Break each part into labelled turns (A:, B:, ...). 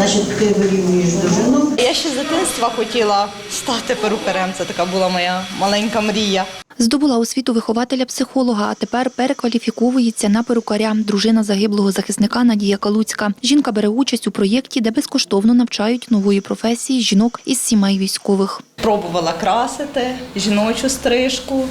A: Значить, ти вирівнюєш довжину.
B: Я ще з дитинства хотіла стати перукарем. Це така була моя маленька мрія.
C: Здобула освіту вихователя-психолога, а тепер перекваліфіковується на перукаря. Дружина загиблого захисника Надія Калуцька. Жінка бере участь у проєкті, де безкоштовно навчають нової професії жінок із сімей військових.
B: Пробувала красити жіночу стрижку,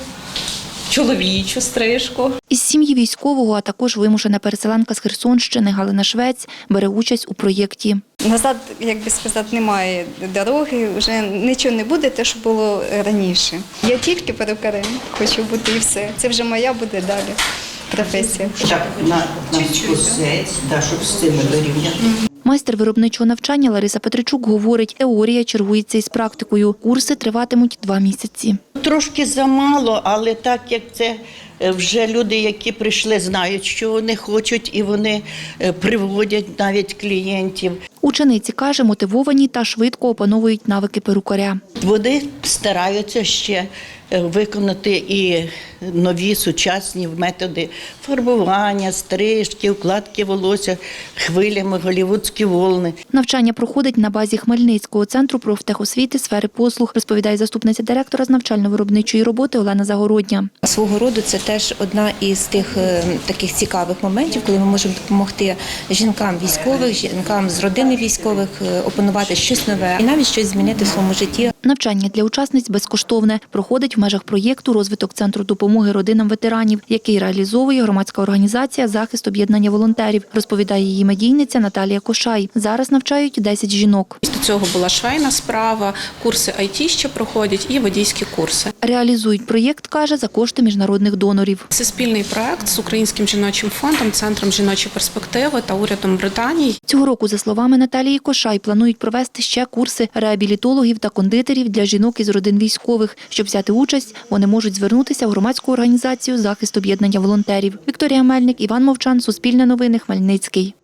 B: чоловічу стрижку.
C: Із сім'ї військового, а також вимушена переселенка з Херсонщини Галина Швець бере участь у проєкті.
D: Назад, як би сказати, немає дороги, вже нічого не буде, те, що було раніше. Я тільки перукарем хочу бути і все. Це вже моя буде далі професія.
A: Так, на скосець, щоб з цими вирівняти.
C: Майстер виробничого навчання Лариса Петричук говорить, теорія чергується із практикою. Курси триватимуть 2 місяці.
E: Трошки замало, але так як це вже люди, які прийшли, знають, що вони хочуть, і вони приводять навіть клієнтів.
C: Учениці, каже, мотивовані та швидко опановують навики перукаря.
E: Вони стараються ще виконати і нові сучасні методи фарбування, стрижки, укладки волосся, хвилями, голлівудські волни.
C: Навчання проходить на базі Хмельницького центру профтехосвіти сфери послуг, розповідає заступниця директора з навчально-виробничої роботи Олена Загородня.
F: Свого роду це теж одна із тих таких цікавих моментів, коли ми можемо допомогти жінкам військових, жінкам з родини військових опанувати щось нове і навіть щось змінити в своєму житті.
C: Навчання для учасниць безкоштовне. Проходить в межах проєкту «Розвиток Центру допомоги родинам ветеранів», який реалізовує громадська організація «Захист об'єднання волонтерів», розповідає її медійниця Наталія Кошай. Зараз навчають 10 жінок.
G: До цього була швейна справа, курси IT ще проходять і водійські курси.
C: Реалізують проєкт, каже, за кошти міжнародних донорів.
G: Це спільний проект з Українським жіночим фондом, Центром жіночої перспективи та урядом Британії.
C: Цього року, за словами Наталії Кошай, планують провести ще курси реабілітологів та кондитерів для жінок із родин військових. Щоб взяти участь, вони можуть звернутися в громадську організацію «Захист об'єднання волонтерів». Вікторія Мельник, Іван Мовчан, Суспільне новини, Хмельницький.